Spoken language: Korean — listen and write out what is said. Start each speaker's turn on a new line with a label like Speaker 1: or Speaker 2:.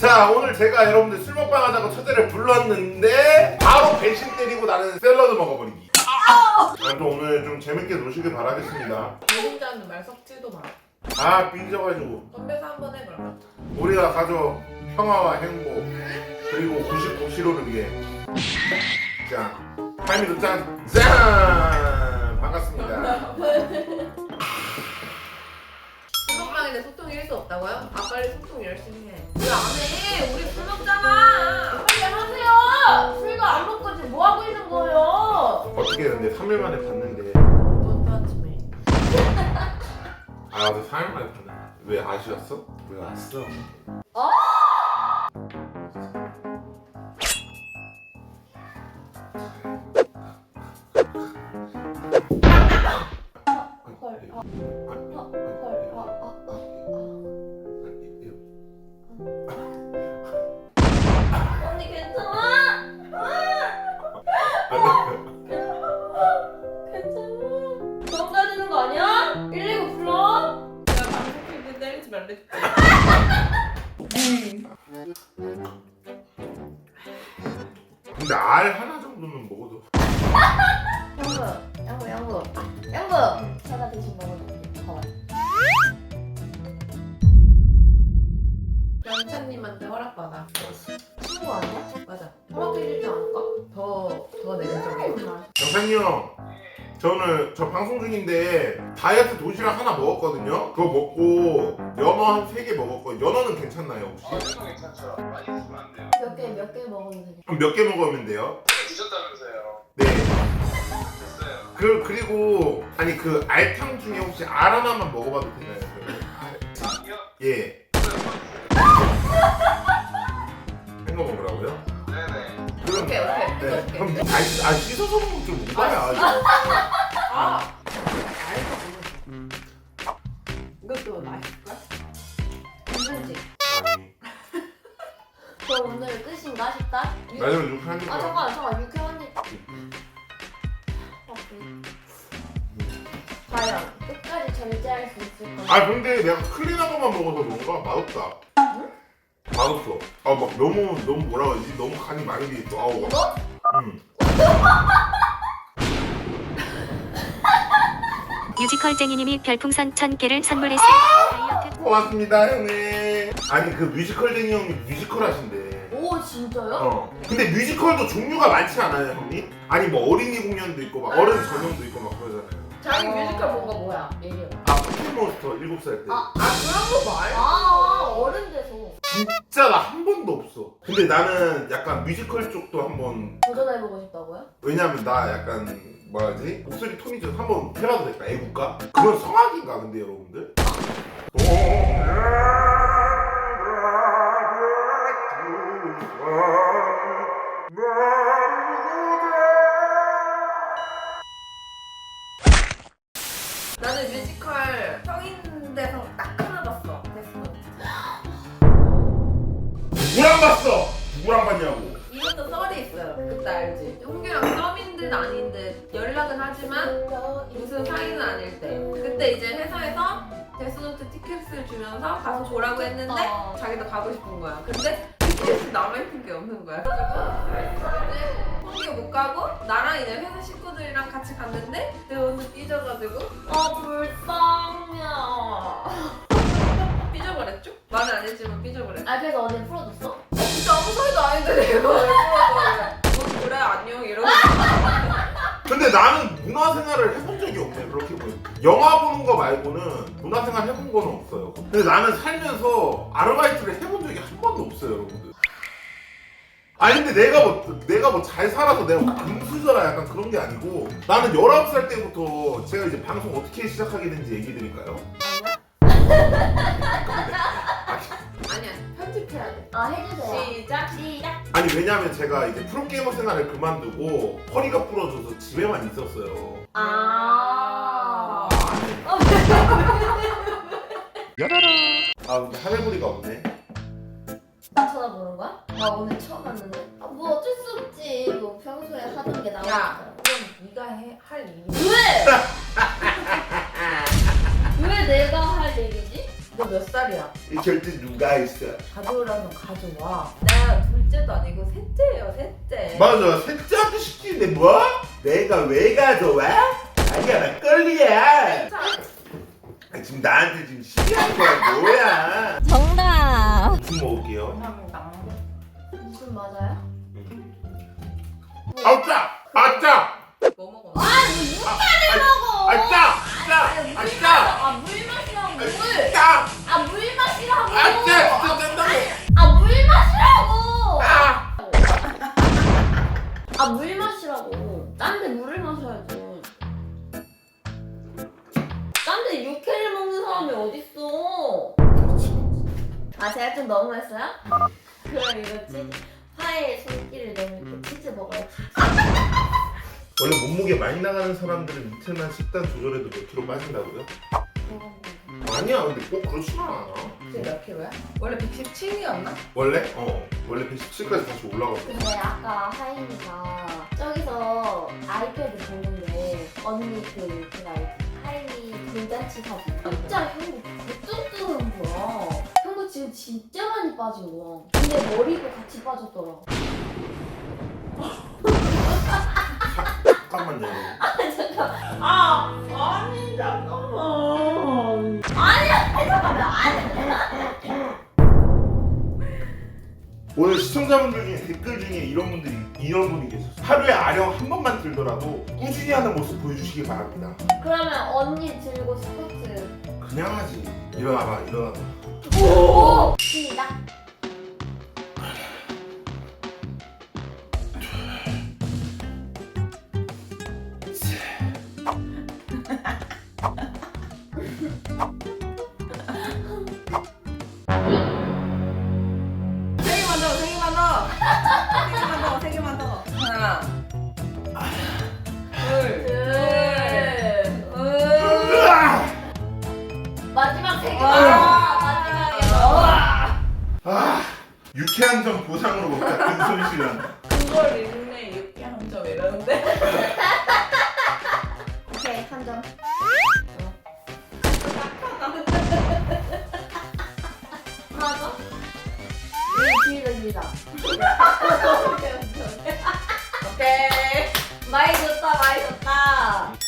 Speaker 1: 자, 오늘 제가 여러분들 술 먹방 하자고 처제를 불렀는데 바로 배신 때리고 나는 샐러드 먹어버리기. 아무튼 오늘 좀 재밌게 노시길 바라겠습니다.
Speaker 2: 배신자는 말 섞지도 마.
Speaker 1: 아, 삐져가지고
Speaker 2: 건배사 한번 해 그러면.
Speaker 1: 우리가 가져 평화와 행복 그리고 99kg를 위해 자, 타이밍도 짠! 반갑습니다.
Speaker 2: 술먹방인데 소통이 1도 없다고요? 아 빨리 소통 열심히 해. 왜 안 해? 우리 술 먹잖아.
Speaker 3: 빨리 하세요! 술도 안 먹고 지금 뭐 하고 있는 거예요?
Speaker 1: 어떻게 근데 3일 만에 봤는데
Speaker 2: 넌 아침에.
Speaker 1: 아, 나도 4일 만에 봤는데 왜 아쉬웠어? 왜 왔어?
Speaker 3: 언니 괜찮아? 괜찮아? 병 가지는 거 아니야? 119 불러?
Speaker 2: 내가 방송 킬때 때리지 말랬지.
Speaker 1: 근데 알 하나 정도는 먹어도
Speaker 3: 양구 제가 대신 먹어줄게. 봐봐.
Speaker 2: 영찬님한테 허락받아.
Speaker 1: 알았어.
Speaker 3: 친구 아니야?
Speaker 2: 맞아. 허락해주지 않을까? 더 내면적이야.
Speaker 1: 정찬이 형, 저는 저 방송 중인데 다이어트 도시락 하나 먹었거든요. 그거 먹고 연어 한 3개 먹었거든요. 연어는 괜찮나요 혹시?
Speaker 4: 연어 괜찮죠? 많이 드시면 안 돼요.
Speaker 3: 몇 개 먹으면 되냐?
Speaker 1: 그럼 몇 개 먹으면 돼요?
Speaker 4: 드셨다면서요?
Speaker 1: 네.
Speaker 4: 됐어요.
Speaker 1: 그리고 아니 그 알탕 중에 혹시 알 하나만 먹어봐도 되나요?
Speaker 4: 아니요?
Speaker 1: 예. 생거 먹으라고요?
Speaker 4: 네네.
Speaker 1: 그럼
Speaker 2: 오케이.
Speaker 1: 네. 그럼 씻어서 먹으면 좀 오바야.
Speaker 2: 아. 알겠어. 이것도 맛있을까?
Speaker 3: 괜찮지?
Speaker 1: 아니,
Speaker 3: 저 오늘 끝인가 싶다?
Speaker 1: 마지막 이렇게 하는
Speaker 3: 아
Speaker 1: 거야.
Speaker 3: 잠깐 6회 과연 끝까지 절제할 수 있을 거야?
Speaker 1: 아 근데 내가 클린한 것만 먹어서 뭔가 맛없다. 맛없어. 아 막 너무 뭐라 그러지? 너무 간이 많이 돼 있어. 아우.
Speaker 3: 이거?
Speaker 5: 뮤지컬쟁이님이 별풍선 1000개를 선물했습니다. 다이어트
Speaker 1: 고맙습니다 형님. 아니 그 뮤지컬쟁이 형이 뮤지컬 하신대.
Speaker 3: 오 진짜요?
Speaker 1: 근데 뮤지컬도 종류가 많지 않아요 형님? 아니 뭐 어린이 공연도 있고 막 어른 전용도 있고 막 그러잖아요.
Speaker 2: 자기 뮤지컬 본 거 뭐야? 얘기해.
Speaker 1: 아 포켓몬스터 7살 때.
Speaker 2: 그런 거 말.
Speaker 3: 어른 돼서
Speaker 1: 진짜 나 한 번도 없어. 근데 나는 약간 뮤지컬 쪽도 한번
Speaker 3: 도전해보고 싶다고요?
Speaker 1: 왜냐면 나 약간 뭐라지 목소리 톤이 좀 한번 해봐도 될까? 애국가? 그건 성악인가 근데 여러분들?
Speaker 2: 나는 뮤지컬 성인 돼서 딱 하나 봤어. 데스노트.
Speaker 1: 누구랑 봤어? 누구랑 봤냐고.
Speaker 2: 이것도 썰이 있어요. 그때 알지? 홍규랑 썸인 듯 아닌 듯 연락은 하지만 무슨 사이는 아닐 때. 그때 이제 회사에서 데스노트 티켓을 주면서 가서 보라고 했는데 자기도 가고 싶은 거야. 근데 티켓이 남아있는 게 없는 거야. 그래서 홍규 못 가고 나랑 이제 회사 식구들이랑 같이 갔는데 내 오늘 삐져가지고
Speaker 3: 불쌍해.
Speaker 2: 삐져버렸죠? 말은 안 했지만 삐져버렸죠.
Speaker 3: 그래서 언니 풀어줬어?
Speaker 2: 진짜 아무 소리도 아닌데 내가 왜 풀어줘. 그래 안녕 이러고.
Speaker 1: 근데 나는 문화생활을 해본 적이 없네 그렇게 보니까. 영화 보는 거 말고는 문화생활 해본 건 없어요. 근데 나는 살면서 아르바이트를 해본 적이 한 번도 없어요 여러분들. 아니 근데 내가 뭐 잘 살아서 내가 금수저라 약간 그런 게 아니고 나는 19살 때부터 제가 이제 방송 어떻게 시작하게 된지 얘기 드릴까요?
Speaker 2: 아니야 편집해야 돼.
Speaker 3: 해주세요.
Speaker 2: 시작.
Speaker 1: 아니 왜냐면 제가 이제 프로게이머 생활을 그만두고 허리가 부러져서 집에만 있었어요. 아 근데 하늘부리가 없네.
Speaker 3: 나 쳐다보는 거야? 나 오늘 처음 봤는데? 뭐 어쩔 수 없지. 뭐 평소에 하던 게
Speaker 2: 야
Speaker 3: 나오니까.
Speaker 2: 그럼 네가 할 일이.
Speaker 3: 왜? 왜 내가 할 얘기지?
Speaker 2: 너 몇 살이야?
Speaker 1: 이 절대 누가 있어.
Speaker 2: 가져오라면 가져와. 내가 둘째도 아니고 셋째예요, 셋째.
Speaker 1: 맞아, 셋째한테 시키는데 뭐? 내가 왜 가져와? 아니야, 막걸리야. 지금 나한테 지금 시비하는 거야 뭐야?
Speaker 3: 정답.
Speaker 1: 무슨 먹을게요?
Speaker 2: 감사합니다.
Speaker 3: 무슨 맞아요?
Speaker 1: 아짜! 아짜!
Speaker 2: 뭐 먹어?
Speaker 3: 먹어.
Speaker 1: 아짜! 짜! 아짜!
Speaker 3: 물 마시라고 물.
Speaker 1: 짜!
Speaker 3: 물 마시라고.
Speaker 1: 아짜! 진짜 짠다고!
Speaker 3: 물 마시라고.
Speaker 1: 아!
Speaker 3: 물 마시라고. 딴데 물을 마셔야지. 딴데 육회를 먹는 사람이 어딨어? 제가 좀 너무했어요? 그럼 이거 치즈 파에 손길을 너무 이렇게 치즈 먹어요.
Speaker 1: 원래 몸무게 많이 나가는 사람들은 이틀만 식단 조절해도 몇 킬로 빠진다고요? 아니야, 근데 꼭 그렇진 않아.
Speaker 2: 지금 몇 킬로야? 원래 117이었나?
Speaker 1: 원래? 원래 117까지 다시 올라갔어.
Speaker 3: 근데 아까 하임이가 저기서 아이패드 보는데 언니 그거 알지? 하임이 돌잔치 사진 진짜 형부 부쩍 뜨는 거야. 형부 지금 진짜 많이 빠진 거야. 근데 머리도 같이 빠졌더라.
Speaker 1: 잠깐만요.
Speaker 2: 아니 잠깐만.
Speaker 1: 오늘 시청자분들 중에 댓글 중에 이런 분이 계셨어요. 하루에 아령 한 번만 들더라도 꾸준히 하는 모습 보여주시기 바랍니다.
Speaker 3: 그러면 언니 들고 스쿼트.
Speaker 1: 그냥 하지. 일어나봐, 일어나봐.
Speaker 3: 오! 시작.
Speaker 2: 세 개만 더. 하나, 둘,
Speaker 1: 으아!
Speaker 3: 마지막 세 개.
Speaker 1: 유쾌한 점 보상으로 먹자. 근손 씨랑.
Speaker 2: 그걸 읽네 이렇게 한 점 이러는데.
Speaker 3: 오케이, 한 점. 하나 더? 길다, 길다.
Speaker 2: 오케이.
Speaker 3: 많이 줬다, 많이 줬다.